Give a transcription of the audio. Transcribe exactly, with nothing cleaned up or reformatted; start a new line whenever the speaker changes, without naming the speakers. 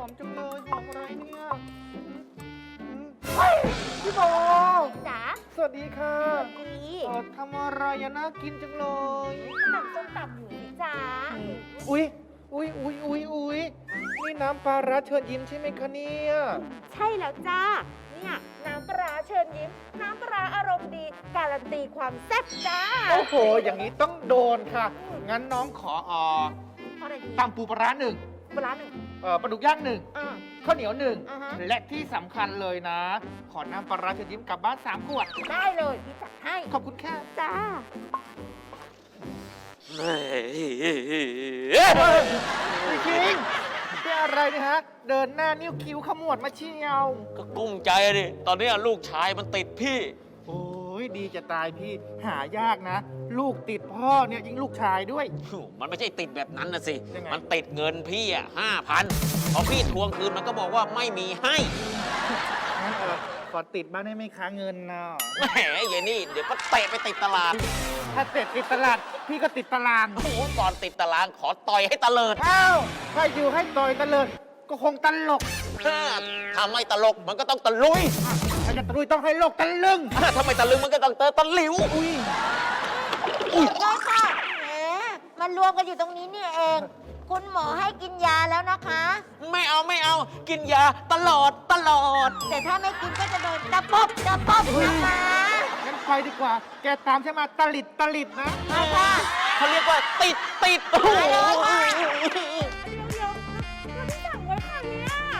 มจังเลยหอมอะไรเนี่ยอืมเฮ้ยพี่โบ
จ๋า
สวัสดีค่ะ
ดี
เออทำอะไรอะน่ากินจังเลย
ตำส้มตำอยู่สิจ๋า
อุ๊ยอุ๊ยอุ๊ยอุ๊ยอุ๊ยนี่น้ำปลาร้าเชิญยิ้มใช่ไหมคะเนี่ย
ใช่แล้วจ้า เนี่ยน้ำปลาร้าเชิญยิ้ม น้ำปลาร้าอารมณ์ดี การันตีความแซ่บจ้า
โอ้โห อย่างนี้ต้องโดนค่ะ งั้นน้องขอเอ่อ
อะไรดี
ตำปูปลาร้าหนึ่ง
ปลาร้าหนึ่ง
เอ่อปลาดุกย่างหนึ่ง
อ่า
ข้าวเหนียวหนึ่ง
อ่าฮะ
และที่สำคัญเลยนะ ขอน้ำปลาร้าเชิญยิ้มกลับบ้านสามขวด
ได้เลยพี่จัดให้
ขอบคุณค่ะ
จ้า
เฮ้ยพี่คิงเป็นอะไรเนี่ยฮะ เดินหน้านิ้วคิ้วขมวดมาเชียว
ก็กุ้มใจดิ ตอนนี้ลูกชายมันติดพี่
โอ้ยดีจะตายพี่ หายากนะ ลูกติดพ่อเนี่ยยิ่งลูกชายด้วย
มันไม่ใช่ติดแบบนั้นนะสิ
ยังไง
มันติดเงินพี่อ่ะห้าพันพอพี่ทวงคืนมันก็บอกว่าไม่มีให้
งั้นเออขอติดบ้างได้ไหมคะเงินเนาะ
แหมเยนี่เดี๋ยวก็เตะไปติดตลาด
ถ้าเสร็จติดตลาด พี่ก็ติดตาราง
โอ้โหก่อนติดตารางขอต่อยให้ตะเลิด
อ้าวถ้าอยู่ให้ต่อยตะเลิดก็คงตลก
ถ้าไม่ตลกมันก็ต้องตะลุย
อ่ะถ้าจะตะลุยต้องให้โลกตะลึง
ถ้าไม่ตะลึงมันก็ต้องเตอตะหลิว
อุ้ย
ได้ค่ะแหมมันรวมกันอยู่ตรงนี้นี่เอง คุณหมอให้กินยาแล้วนะคะ
ไม่เอาไม่เอา กินยาตลอดตลอด
แต่ถ้าไม่กินก็จะโดนตะปบตะปบนะคะ
งั้นไปดีกว่า แกตามฉันมาตะลิดตะลิดนะ
มาค่ะ
เขาเรียกว่าติดติดโอ้โห
ไปเลยไป